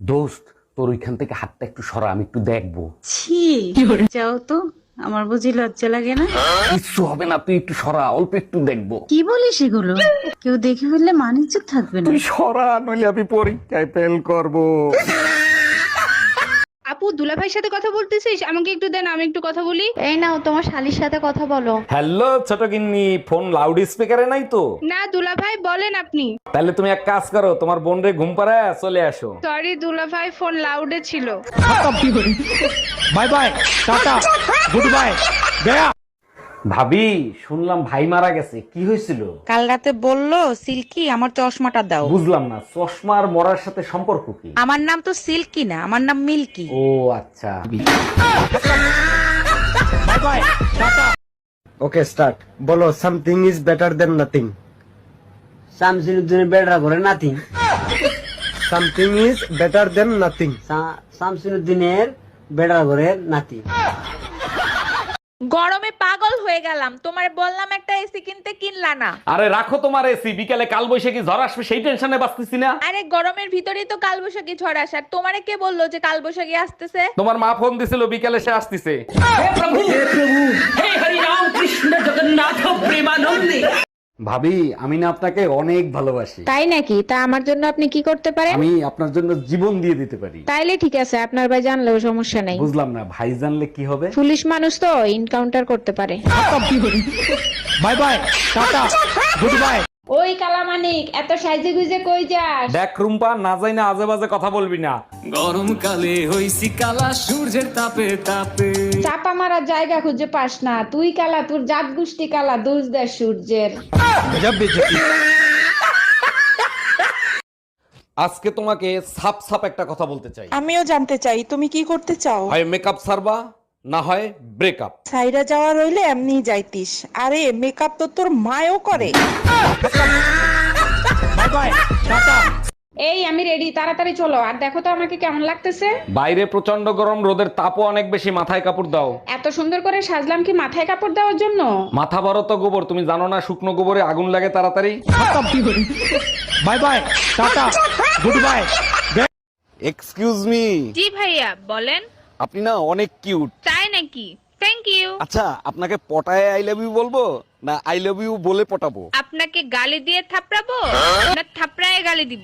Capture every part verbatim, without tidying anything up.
দোস্ত, তোর ওইখান থেকে হাতটা একটু সরা, আমি একটু দেখবো। ছি, যাও তো, আমার বুঝি লজ্জা লাগে না? কিচ্ছু হবে না, তুই একটু সরা, অল্প একটু দেখবো। কি বলিস এগুলো? কেউ দেখে ফেললে মানিজ্য থাকবে না। তুই সরা, নইলে আমি পরীক্ষায় ফেল করবো। আপু, দুলাভাইয়ের সাথে কথা বলতেছিস? আমাকে একটু দেন, আমি একটু কথা বলি। এই নাও তোমার শালির সাথে কথা বলো। হ্যালো ছোট গিন্নি, ফোন লাউড স্পিকারে নাই তো? না দুলাভাই, বলেন আপনি। তাহলে তুমি এক কাজ করো, তোমার বোন রে ঘুম পাড়ায় চলে আসো। সরি দুলাভাই, ফোন লাউডে ছিল। Bye bye, tata, good bye, গয়া। ভাবি, শুনলাম ভাই মারা গেছে, কি হয়েছিল? কাল রাতে বললো সিল্কি আমার চশমাটা দাও। বুঝলাম না, চশমা আর মরার সাথে সম্পর্ক কি? আমার নাম তো সিল্কি না, আমার নাম মিল্কি। ও আচ্ছা। Bye bye, tata. Okay start. বলো something is better than nothing. শামসুদ্দিনের বেড়া করে নাতি। Something is better than nothing. শামসুদ্দিনের বেড়া করে নাতি। গরমে পাগল হয়ে গেলাম, তোমার বললাম একটা এসি কিনতে, কিনলা না। আরে রাখো তোমার এসি, বিকালে কাল বৈশাখী ঝড় আসবে সেই টেনশনে বাঁচতেছি না। আরে গরমের ভিতরেই তো কালবৈশাখী ঝড় আসার, তোমারে কে বললো যে কালবৈশাখী আসতেছে? তোমার মা ফোন দিছিল, বিকালে সে আসতেছে। ভাবি, আমি না আপনাকে অনেক ভালোবাসি। তাই নাকি? তা আমার জন্য আপনি কি করতে পারেন? আমি আপনার জন্য জীবন দিয়ে দিতে পারি। তাইলে ঠিক আছে, আপনার ভাই জানলেও সমস্যা নাই। বুঝলাম না, ভাই জানলে কি হবে? পুলিশ মানুষ তো ইনকাউন্টার করতে পারে। Bye bye, tata, good bye. ওই কালামানিক, এত সাইজে গুজে কই যাস? দেখ রুম্পা, না যাই না আজে বাজে কথা বলবি না। গরমকালে হইছি কালা সূর্যের তাপে তাপে। চাপা মারার জায়গা খুঁজে পাস না, তুই কালা, তোর জাত গোষ্ঠী কালা, দোষ দেয় সূর্যের। আজকে তোমাকে সাপ সাপ একটা কথা বলতে চাই। আমিও জানতে চাই তুমি কি করতে চাও। হয় মেকআপ সারবা, না হয় ব্রেকআপ। সাইরা যাওয়া রইলে এমনি যাইতিস। আরে মেকআপ তো তোর মায়ও করে। Bye bye, tata. এই আমি রেডি, তাড়াতাড়ি চলো। আর দেখো তো আমাকে কেমন লাগতেছে। বাইরে প্রচন্ড গরম, রোদের তাপও অনেক বেশি, মাথায় কাপড় দাও। এত সুন্দর করে সাজলাম কি মাথায় কাপড় দেওয়ার জন্য? মাথা বড় তো গোবর, তুমি জানো না শুকনো গোবরে আগুন লাগে তাড়াতাড়ি। Bye bye, tata, good bye. Excuse me. জি ভাইয়া, বলেন। আপনি না অনেক কিউট। তাই নাকি? Thank you. আচ্ছা, আপনাকে পটায় আই লাভ ইউ বলবো, না আই লাভ ইউ বলে পটাবো? আপনাকে গালি দিয়ে থাপড়াবো, না থাপড়ায় গালি দিব?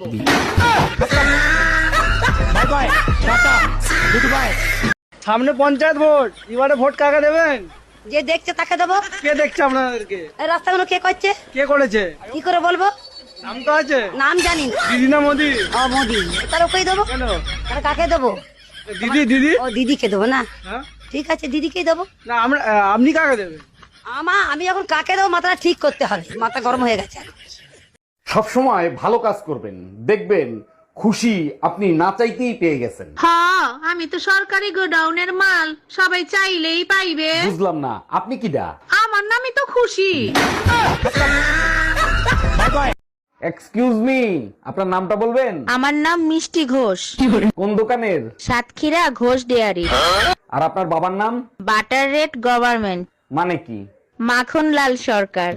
Bye bye, tata, good bye. সামনে পঞ্চায়েত ভোট, এবারে ভোট কাকে দেবেন? যে দেখছে তাকে দেবো। কে দেখছে আপনাদেরকে? এই রাস্তাগুলো কে করছে? কে করেছে? কি করে বলবো? নাম তো আছে। নাম জানি না। দিদি না মোদি? ও মোদি। তার ওকেই দেবো। কেন? তাহলে কাকে দেবো? দিদি দিদি। ও দিদিকে দেবো না? হ্যাঁ? ঠিক আছে, দিদিকেই দেবো। না আমরা আহ, আপনি কাকে দেবেন? আমা আমি এখন কাকে দেবো মাথাটা ঠিক করতে হবে, মাথা গরম হয়ে গেছে। সব সময় ভালো কাজ করবেন, দেখবেন খুশি আপনি না চাইতেই পেয়ে গেছেন। হ্যাঁ, আমি তো সরকারি গোডাউনের মাল, সবাই চাইলেই পাইবে। বুঝলাম না, আপনি কিডা? আমার নামই তো খুশি। Bye bye. এক্সকিউজ মি, আপনার নামটা বলবেন? আমার নাম মিষ্টি ঘোষ, কোন দোকানের? সাতক্ষীরা ঘোষ ডেয়ারি। আর আপনার বাবার নাম? বাটার রেট গভর্নমেন্ট, মানে কি? মাখন লাল সরকার।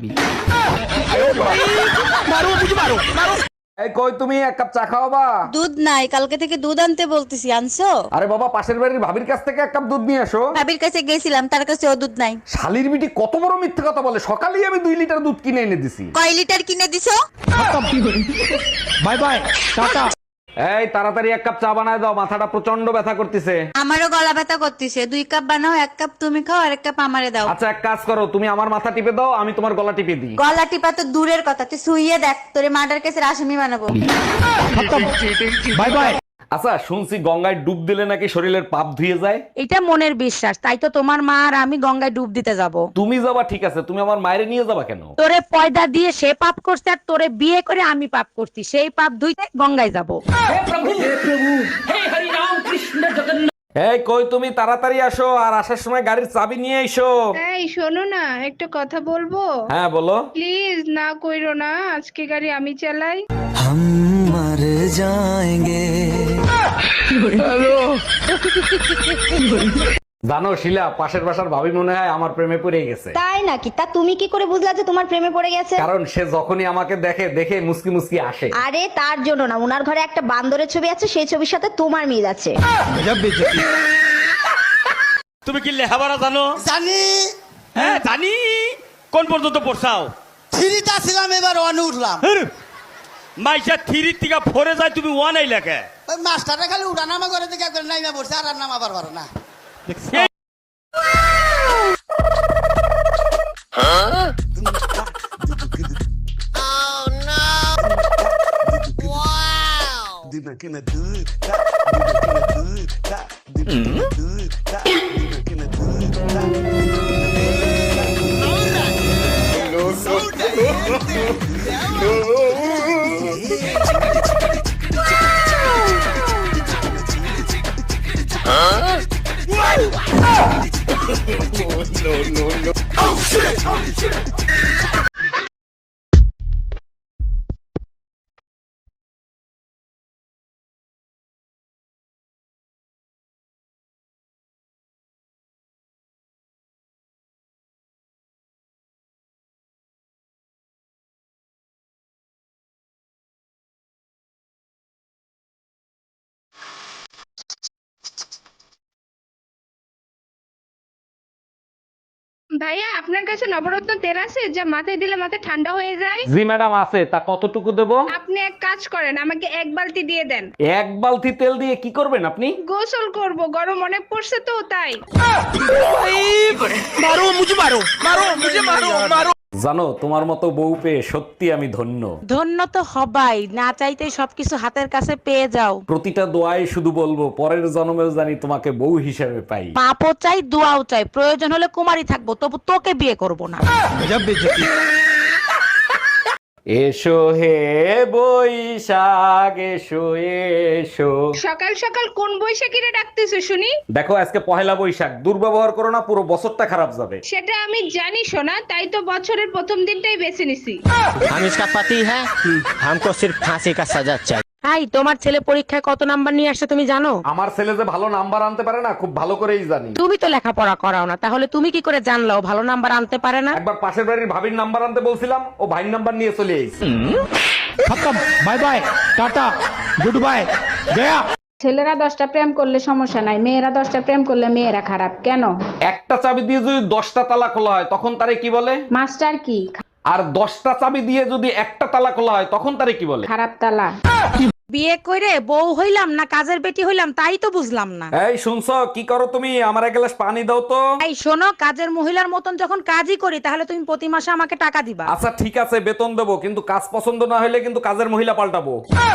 এই কই, তুমি এক কাপ চা খাওয়াবা? দুধ নাই, কালকে থেকে দুধ আনতে বলতেছি, আনছো? আরে বাবা, পাশের বাড়ির ভাবির কাছ থেকে এক কাপ দুধ নিয়ে আসো। ভাবির কাছে গেছিলাম, তার কাছে ও দুধ নাই। শালির বিটি কত বড় মিথ্যে কথা বলে, সকালেই আমি দুই লিটার দুধ কিনে এনে দিছি। কয় লিটার কিনে দিছো? Bye bye, tata. এই তাড়াতাড়ি এক কাপ চা বানায় দাও, মাথাটা প্রচন্ড ব্যথা করতেছে। আমারও গলা ব্যথা করতেছে, দুই কাপ বানাও, এক কাপ তুমি খাও আর এক কাপ আমারে দাও। আচ্ছা, এক কাজ করো, তুমি আমার মাথা টিপে দাও, আমি তোমার গলা টিপে দিই। গলা টিপা তো দূরের কথা, তুই শুইয়ে দেখ, তোরে মার্ডার কেসের আসামি বানাবো। Bye bye. আচ্ছা, শুনছি গঙ্গায় ডুব দিলে নাকি শরীরের পাপ ধুয়ে যায়। এটা মনের বিশ্বাস, তাই তো তোমার মা আর আমি গঙ্গায় ডুব দিতে যাব। তুমি যাবা ঠিক আছে, তুমি আমার মায়ের নিয়ে যাবা কেন? তোরে পয়দা দিয়ে সে পাপ করছে, আর তোরে বিয়ে করে আমি পাপ করছি, সেই পাপ ধুইতে গঙ্গায় যাব। এই কই, তুমি তাড়াতাড়ি আসো, আর আসার সময় গাড়ির চাবি নিয়ে এসো। এই শোনো না, একটা কথা বলবো? হ্যাঁ বলো। প্লিজ না কইরো না, আজকে গাড়ি আমি চালাই। हम मर जाएंगे। জানো শিলা, পাশের বাসার ভাবি মনে হয় আমার প্রেমে পড়ে গেছে। তাই নাকি? তা তুমি কি করে বুঝলা যে তোমার প্রেমে পড়ে গেছে? কারণ সে যখনই আমাকে দেখে দেখে মুসকি মুসকি আসে। আরে তার জন্য না, উনার ঘরে একটা বান্দরের ছবি আছে, সেই ছবির সাথে তোমার মিল আছে। তুমি কি লেখাপড়া জানো? জানি। হ্যাঁ জানি। কোন পর্যন্ত পড়ছাও? থ্রিটা ছিলাম, এবার ওয়ানে উঠলাম। মাইসা থ্রি থেকে ফোরে যায়, তুমি ওয়ান এই লেখে। ওই মাস্টারটা খালি উঠা নামা করে দেখে একবার নাইমা পড়ছে, আর আর নামা পারবার না। ভাইয়া আপনার কাছে নবরত্ন তেল আছে যা মাথায় দিলে মাথা ঠান্ডা হয়ে যায়? জি ম্যাডাম আছে, তা কতটুকু দেব? আপনি এক কাজ করেন, আমাকে এক বালতি দিয়ে দেন। এক বালতি তেল দিয়ে কি করবেন আপনি? গোসল করব, গরম অনেক পড়ছে তো তাই। জানো, তোমার মতো বউ পেয়ে সত্যি আমি ধন্য। ধন্য তো হবাই, না চাইতে সবকিছু হাতের কাছে পেয়ে যাও। প্রতিটা দোয়ায় শুধু বলবো, পরের জন্মেও জানি তোমাকে বউ হিসেবে পাই। পাপও চাই, দোয়াও চাই, প্রয়োজন হলে কুমারী থাকবো, তবু তোকে বিয়ে করব না। এসো হে বৈশাখ এসো এসো। সকাল সকাল কোন বৈশাখীরে ডাকতেছো শুনি? দেখো আজকে পহেলা বৈশাখ, দুর্ব্যবহার করো না, পুরো বছরটা খারাপ যাবে। সেটা আমি জানি সোনা, তাই তো বছরের প্রথম দিনটাই বেছে নিছি। हम इसका पति है, हमको सिर्फ फांसी का सजा चाहिए। হাই, তোমার ছেলে পরীক্ষায় কত নাম্বার নিয়ে আসছে তুমি জানো? আমার ছেলে যে ভালো নাম্বার আনতে পারে না, খুব ভালো করেই জানি। তুমি তো লেখাপড়া করাও না, তাহলে তুমি কি করে জানলো ও ভালো নাম্বার আনতে পারে না? একবার পাশের বাড়ির ভাবির নাম্বার আনতে বলছিলাম, ও ভাইয়ের নাম্বার নিয়ে চলে এসেছে। খতম, bye bye, tata, good bye, গয়া। ছেলেরা দশটা প্রেম করলে সমস্যা নাই, মেয়েরা দশটা প্রেম করলে মেয়েরা খারাপ কেন? একটা চাবি দিয়ে যদি দশটা তালা খোলা হয় তখন তারে কি বলে? মাস্টার কি? আর দশটা চাবি দিয়ে যদি একটা তালা খোলা হয় তখন তারে কি বলে? খারাপ তালা। বিয়ে করে বউ হইলাম না কাজের বেটি হইলাম তাই তো বুঝলাম না। এই শুনছো, কি করো তুমি? আমার এক গ্লাস পানি দাও তো। এই শোনো, কাজের মহিলার মতন যখন কাজই করি তাহলে তুমি প্রতি মাসে আমাকে টাকা দিবা। আচ্ছা ঠিক আছে, বেতন দেবো, কিন্তু কাজ পছন্দ না হলে কিন্তু কাজের মহিলা পাল্টাবো।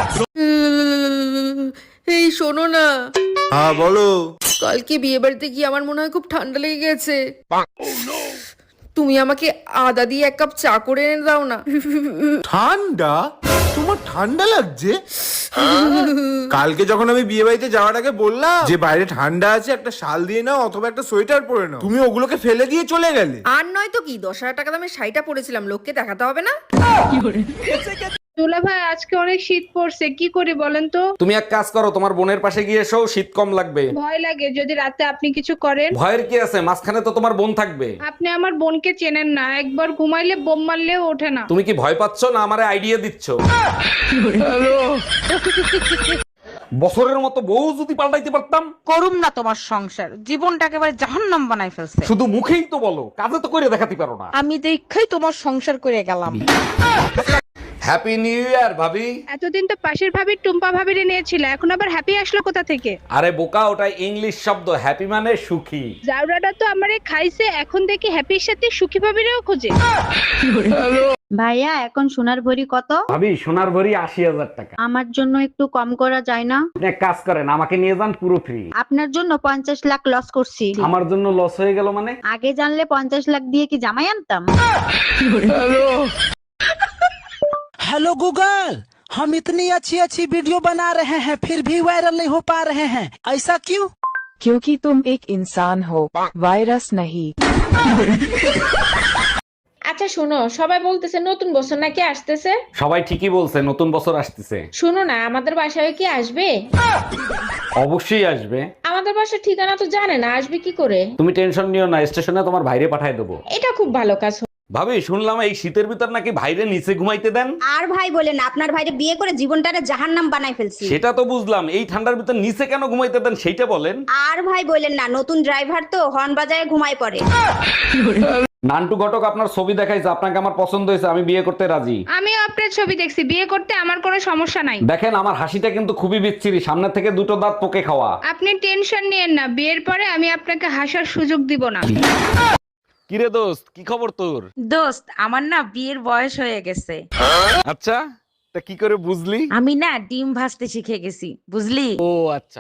এই শোনো না, হ্যাঁ বলো। কালকে বিয়ে বাড়িতে গিয়ে আমার মনে হয় খুব ঠান্ডা লেগে গেছে। তুমি আমাকে আদা দিয়ে এক কাপ চা করে এনে দাও না। ঠান্ডা? তোমার ঠান্ডা লাগছে? কালকে যখন আমি বিয়ে বাড়িতে যাওয়ার আগে বললাম যে বাইরে ঠান্ডা আছে, একটা শাল দিয়ে নাও অথবা একটা সোয়েটার পরে নাও, তুমি ওগুলোকে ফেলে দিয়ে চলে গেলে। আর নয় তো কি, দশ হাজার টাকা দামের শাড়িটা পরেছিলাম, লোককে দেখাতে হবে না? দুলা ভাই আজকে অনেক শীত পড়ছে, কি করি বলেন তো? তুমি এক কাজ করো, তোমার বোনের পাশে গিয়ে এসো, শীত কম লাগবে। ভয় লাগে যদি রাতে আপনি কিছু করেন। ভয়ের কি আছে, মাঝখানে তো তোমার বোন থাকবে। আপনি আমার বোনকে চেনেন না, একবার ঘুমাইলে বোম মারলেও ওঠে না। তুমি কি ভয় পাচ্ছ না আমারে আইডিয়া দিচ্ছ? বছরের মতো বউ যদি পাল্টাইতে পারতাম। করুম না তোমার সংসার, জীবনটা একেবারে জাহান্নাম বানাই ফেলছে। শুধু মুখেই তো বলো, কাজে তো করে দেখাতে পারো না। আমি দেখাই তোমার সংসার করে গেলাম। হ্যাপি নিউ ইয়ার ভাবি। এতদিন তো পাশের ভাবির টুম্পা ভাবিরে নিয়েছিল, এখন আবার হ্যাপি আসলো কোথা থেকে? আরে বোকা, ওটা ইংলিশ শব্দ, হ্যাপি মানে সুখী। জাউরাটা তো আমারে খাইছে, এখন দেখি হ্যাপির সাথে সুখী ভাবিরেও খোঁজে। ভাইয়া এখন সোনার ভরি কত? ভাবি সোনার ভরি আশি হাজার টাকা। আমার জন্য একটু কম করা যায় না? আপনি এক কাজ করেন, আমাকে নিয়ে যান, পুরো ফ্রি। আপনার জন্য পঞ্চাশ লাখ লস করছি। আমার জন্য লস হয়ে গেল মানে? আগে জানলে পঞ্চাশ লাখ দিয়ে কি জামাই আনতাম? हेलो गूगल, हम इतनी अच्छी अच्छी वीडियो बना रहे हैं फिर भी वायरल नहीं हो पा रहे हैं, ऐसा क्यों? क्योंकि तुम एक इंसान हो, वायरस नहीं। আচ্ছা শোনো, সবাই বলতেছে নতুন বছর নাকি আসতেছে। সবাই ঠিকই বলছে, নতুন বছর আসতেছে। শোনো না, আমাদের বাসায় কি আসবে? অবশ্যই আসবে। আমাদের আমাদের বাসার ঠিকানা তো জানে না, আসবে কি করে? তুমি টেনশন নিও না, স্টেশনে তোমার ভাইরে পাঠায় দেবো। এটা খুব ভালো কাজ। ভাবি শুনলাম এই শীতের ভিতর নাকি ভাইরে নিচে ঘুমাইতে দেন। আর ভাই বলেন, আপনার ভাইরে বিয়ে করে জীবনটারে জাহান্নাম বানাই ফেলছি। সেটা তো বুঝলাম, এই ঠান্ডার ভিতর নিচে কেন ঘুমাইতে দেন সেইটা বলেন। আর ভাই বলেন না, নতুন ড্রাইভার তো হর্ন বাজায় ঘুমায় পড়ে। নান্টু ঘটক আপনার ছবি দেখাইছে, আপনাকে আমার পছন্দ হয়েছে, আমি বিয়ে করতে রাজি। আমিও আপনার ছবি দেখছি, বিয়ে করতে আমার কোনো সমস্যা নাই। দেখেন আমার হাসিটা কিন্তু খুবই বিচ্ছিরি, সামনে থেকে দুটো দাঁত পোকে খাওয়া। আপনি টেনশন নিয়েন না, বিয়ের পরে আমি আপনাকে হাসার সুযোগ দিব না। কিরে দোস্ত, কি খবর তোর? দোস্ত, আমার না বিয়ের বয়স হয়ে গেছে। আচ্ছা, তা কি করে বুঝলি? আমি না ডিম ভাজতে শিখে গেছি, বুঝলি? ও আচ্ছা।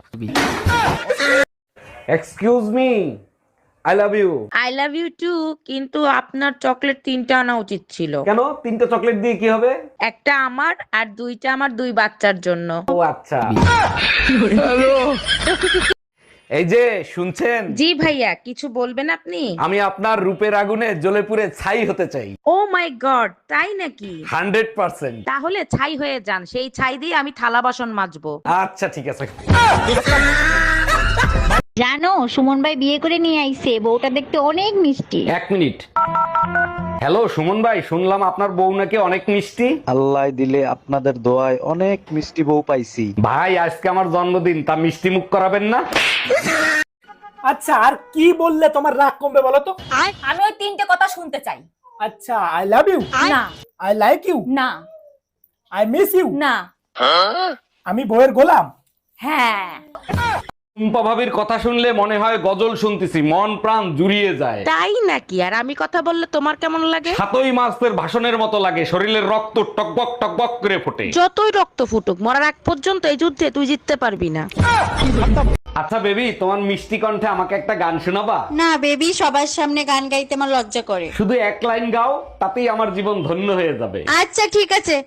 Excuse me, I love you. I love you too, কিন্তু আপনার চকলেট তিনটা আনা উচিত ছিল। কেন? তিনটা চকলেট দিয়ে কি হবে? একটা আমার আর দুইটা আমার দুই বাচ্চার জন্য। ও আচ্ছা। এই যে শুনছেন? জি ভাইয়া, কিছু বলবেন আপনি? আমি আপনার রূপের আগুনে জ্বলে পুড়ে ছাই হতে চাই। ও মাই গড, তাই নাকি? Hundred percent. তাহলে ছাই হয়ে যান, সেই ছাই দিয়ে আমি থালা বাসন মাজবো। আচ্ছা ঠিক আছে। জানো, সুমন ভাই বিয়ে করে নিয়ে আইছে, বউটা দেখতে অনেক মিষ্টি। এক মিনিট। হ্যালো সুমন ভাই, শুনলাম আপনার বউ নাকি অনেক মিষ্টি। আল্লাহ দিলে আপনাদের দোয়ায় অনেক মিষ্টি বউ পাইছি। ভাই আজকে আমার জন্মদিন, তা মিষ্টি মুখ করাবেন না? আচ্ছা, আর কি বললে তোমার রাগ কমবে বলো তো? আমি ওই তিনটে কথা শুনতে চাই। আচ্ছা, আই লাভ ইউ না। আই লাইক ইউ না। আই মিস ইউ না। আমি বউয়ের গোলাম? হ্যাঁ। টুম্পা ভাবির কথা শুনলে মনে হয় গজল শুনতেছি, মন প্রাণ জুড়িয়ে যায়। তাই নাকি? আর আমি কথা বললে তোমার কেমন লাগে? সাতই মাসের ভাষণের মতো লাগে, শরীরের রক্ত টকবক টকবক করে ফোটে। যতই রক্ত ফুটুক, মরার আগ পর্যন্ত এই যুদ্ধে তুই জিততে পারবি না। আচ্ছা বেবি, তোমার মিষ্টি কণ্ঠে আমাকে একটা গান শোনাবা? না বেবি, সবার সামনে গান গাইতে আমার লজ্জা করে। শুধু এক লাইন গাও, তাতেই আমার জীবন ধন্য হয়ে যাবে। আচ্ছা ঠিক আছে।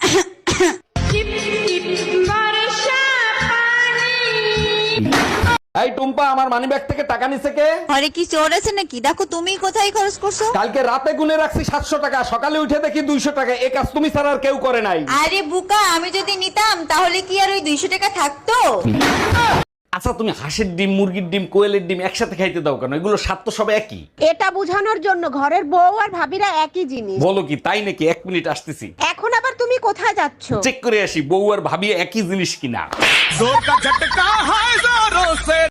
এই টুম্পা, আমার মানিব্যাগ থেকে টাকা নিছে কে? ঘরে কি চোর আছে নাকি? দেখো তুমি কোথায় খরচ করছো। কালকে রাতে গুনে রাখছি সাতশো টাকা, সকালে উঠে দেখি দুইশো টাকা। এ কাজ তুমি ছাড়া আর কেউ করে নাই। আরে বুকা, আমি যদি নিতাম তাহলে কি আর ওই দুইশো টাকা থাকতো? আচ্ছা তুমি হাঁসের ডিম, মুরগির ডিম, কোয়েলের ডিম একসাথে খাইতে দাও কেন? এগুলো স্বাদ তো সব একই। এটা বোঝানোর জন্য ঘরের বউ আর ভাবিরা একই জিনিস। বলো কি তাই নাকি? এক মিনিট আসতেছি। এখন আবার তুমি কোথায় যাচ্ছ? চেক করে আসি বউ আর ভাবি একই জিনিস কিনা।